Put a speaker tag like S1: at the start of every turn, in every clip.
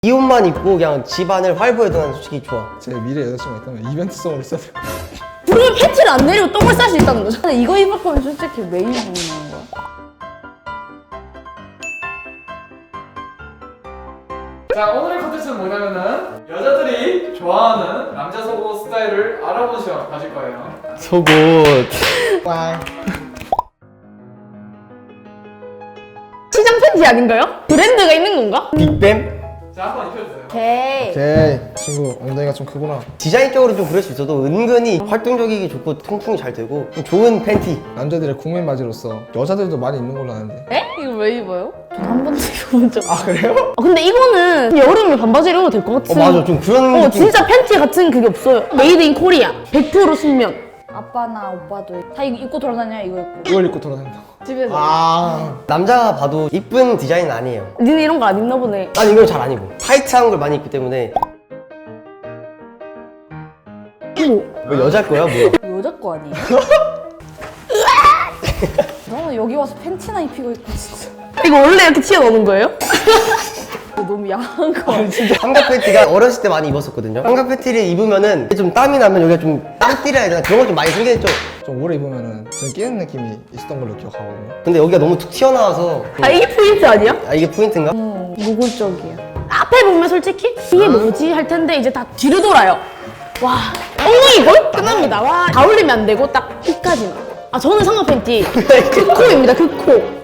S1: 이 옷만 입고 그냥 집안을 활보해도 난 솔직히 좋아.
S2: 제 미래 여자친구가 있다면 이벤트성으로 써야 될 것 같아요.
S3: 그러면 팬티를 안 내리고 똥을 쌀 수 있다는 거죠. 근데 이거 입을 거면 솔직히 왜 입는 거야?
S4: 자, 오늘의 컨텐츠는 뭐냐면은 여자들이 좋아하는 남자 속옷 스타일을 알아보는 시간 가질 거예요.
S1: 속옷.
S2: 꽝.
S3: 시장 팬티 아닌가요? 브랜드가 있는 건가?
S1: 빅뱀?
S4: 자, 한번 입혀주세요.
S3: 오케이.
S2: 오케이. 친구 엉덩이가 좀 크구나.
S1: 디자인적으로 좀 그럴 수 있어도 은근히 활동적이기 좋고 통풍이 잘 되고 좀 좋은 팬티.
S2: 남자들의 국민 바지로서 여자들도 많이 입는 걸로 아는데.
S3: 에? 이거 왜 입어요? 전 한 번도 입어본 적 없어요.
S2: 그래요?
S3: 근데 이거는 여름에 반바지로 입어도 될 것 같은.
S1: 맞아, 좀 그런 느낌.
S3: 진짜 팬티 같은 그게 없어요. 메이드 인 코리아. 100% 순면. 아빠나 오빠도 다 이거 입고 돌아다녀. 이거 입고
S2: 이걸 입고 돌아다닌다고.
S3: 집에서.
S1: 남자가 봐도 이쁜 디자인은 아니에요.
S3: 니네 이런 거 안 입나 보네.
S1: 난 이걸 잘 안 입어. 타이트한 걸 많이 입기 때문에.
S3: 어머,
S1: 뭐 여자 거야 뭐야?
S3: 여자 거 아니에요? 너는 여기 와서 팬티나 입히고 있고 진짜. 이거 원래 이렇게 튀어나오는 거예요? 이거 너무 야한 거 아니야?
S1: 삼각 팬티가 어렸을 때 많이 입었었거든요. 삼각 팬티를 입으면은 좀 땀이 나면 여기가 좀 땀띠라 해야 되나? 그런 거 좀 많이 생겼죠.
S2: 좀 오래 입으면은 좀 끼는 느낌이 있었던 걸로 기억하거든요.
S1: 근데 여기가 너무 툭 튀어나와서
S3: 아 이게 포인트 아니야?
S1: 아 이게 포인트인가?
S3: 노골적이야. 앞에 보면 솔직히 이게 뭐지 할 텐데 이제 다 뒤로 돌아요. 와, 엉덩이 걸 끝납니다. 와, 다 올리면 안 되고 딱 끝까지만. 아 저는 삼각 팬티 그 코입니다. 그 코.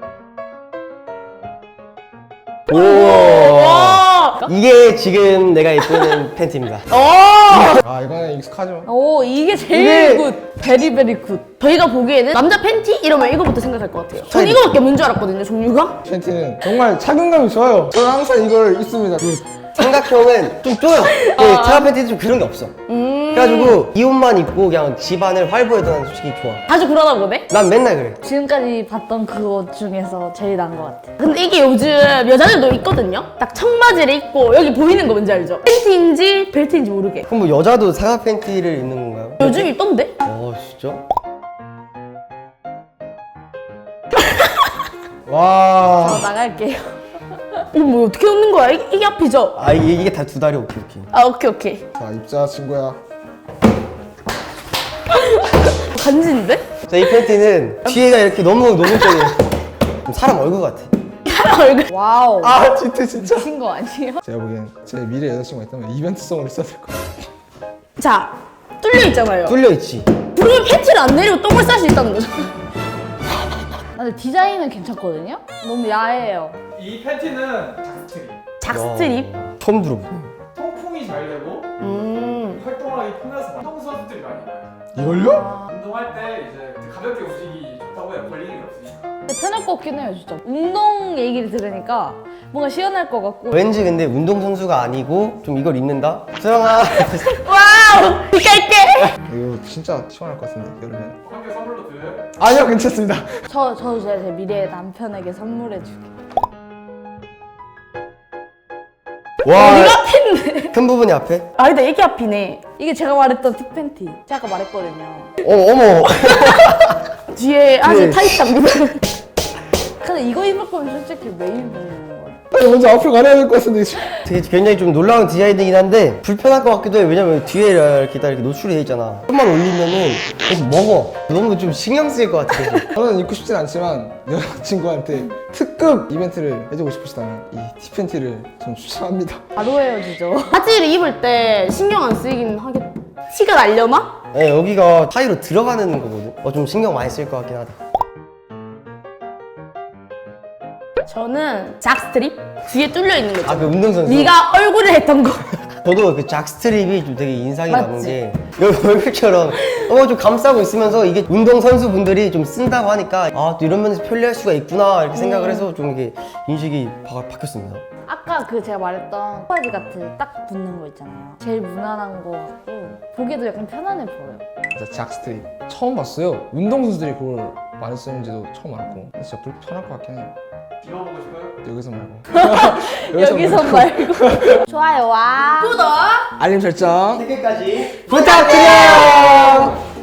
S1: 오.
S3: 와.
S1: 이게 지금 내가 입는 팬티입니다.
S2: 아 이거는 익숙하죠.
S3: 오 이게 제일 굿. 베리베리 굿. 저희가 보기에는 남자 팬티 이러면 이거부터 생각할 것 같아요. 전 이거밖에 없는 줄 알았거든요. 종류가.
S2: 팬티는 정말 착용감이 좋아요. 저는 항상 이걸 입습니다.
S1: 삼각형은 좀 쪼여. 삼각 팬티는 좀 그런 게 없어. 그래가지고 이 옷만 입고 그냥 집안을 활보해도 난 솔직히 좋아.
S3: 자주 그러나 보네?
S1: 난 맨날 그래.
S3: 지금까지 봤던 그옷 중에서 제일 나은 것 같아. 근데 이게 요즘 여자들도 있거든요? 딱 청바지를 입고 여기 보이는 거 뭔지 알죠? 팬티인지 벨트인지 모르게.
S1: 그럼 뭐 여자도 삼각 팬티를 입는 건가요?
S3: 요즘 있던데?
S1: 진짜?
S2: 와.
S3: 나갈게요. 이거 뭐 어떻게 웃는 거야? 이게 앞이죠?
S1: 아 이게 다 두 다리. 오케이.
S3: 아 오케이.
S2: 자 입자 친구야.
S3: 간지인데?
S1: 자, 이 팬티는 뒤에가 이렇게 너무 쪼여. 사람 얼굴 같아.
S3: 얼굴. 와우.
S2: 아 진짜 진짜.
S3: 미친 거 아니에요?
S2: 제가 보기엔 제 미래 여자친구가 있다면 이벤트성으로 써야 될 것 같아요.
S3: 자, 뚫려 있잖아요.
S1: 뚫려 있지.
S3: 그러면 팬티를 안 내리고 똥을 쌀 수 있다는 거죠. 근데 디자인은 괜찮거든요? 너무 야해요.
S4: 이 팬티는 작스트리.
S3: 작스트립?
S1: 처음 들어봐.
S4: 통풍이 잘 되고 활동하기 편해서 운동 선수들이 많이 나요.
S2: 이걸요?
S4: 운동할 때 이제 가볍게 움직이기 좋다고 해요. 걸리는 게 없으니까.
S3: 근데 편할 것 같긴 해요, 진짜. 운동 얘기를 들으니까 뭔가 시원할 것 같고.
S1: 왠지 근데 운동선수가 아니고 좀 이걸 입는다? 소영아.
S3: 와우! 이깔게!
S2: 이거 진짜 시원할 것 같은데 여름에.
S4: 한 개 선물로 드려요.
S2: 아니요 괜찮습니다.
S3: 저도 제 미래 남편에게 선물해줄게.
S1: 와.
S3: 어디가 앞인데?
S1: 큰 부분이 앞에?
S3: 아, 근데 이게 앞이네. 이게 제가 말했던 틱팬티. 제가 아까 말했거든요.
S1: 어머.
S3: 뒤에 아주
S1: 네.
S3: 타이트합니다. 근데 이거 입을 거면 솔직히 왜 입는 거야?
S2: 먼저 앞으로 가야 될 것 같은데 지금.
S1: 되게 굉장히 좀 놀라운 디자인이긴 한데 불편할 것 같기도 해. 왜냐면 뒤에 이렇게 다 이렇게 노출이 돼 있잖아. 좀만 올리면은 계속 먹어. 너무 좀 신경 쓰일 것 같아. 계속.
S2: 저는 입고 싶진 않지만 여자친구한테 특급 이벤트를 해주고 싶으시다면 이 티팬티를 좀 추천합니다.
S3: 바로 헤어지죠. 바지를 입을 때 신경 안 쓰이긴 하겠다. 티가 날려나?
S1: 네, 여기가 사이로 들어가는 거거든. 좀 신경 많이 쓸 것 같긴 하다.
S3: 저는 작스트립? 뒤에 뚫려 있는 거죠.
S1: 그 운동선수.
S3: 네가 얼굴을 했던 거.
S1: 저도 그 잭스트립이 좀 되게 인상이
S3: 맞지?
S1: 남은 게 여기 얼굴처럼 좀 감싸고 있으면서 이게 운동선수 분들이 좀 쓴다고 하니까 또 이런 면에서 편리할 수가 있구나 이렇게 생각을 해서 좀 이게 인식이 바뀌었습니다.
S3: 아까 그 제가 말했던 청바지 같은 딱 붙는 거 있잖아요. 제일 무난한 거 같고 보기에도 약간 편안해 보여요.
S2: 진짜 잭스트립 처음 봤어요. 운동선수들이 그걸 많이 쓰는지도 처음 알고 진짜 불편할 것 같긴 해요.
S4: 입어보고 싶어요?
S2: 여기서 말고.
S3: 여기서 말고. 좋아요와 구독!
S2: 알림 설정
S1: 댓글까지 부탁드려요.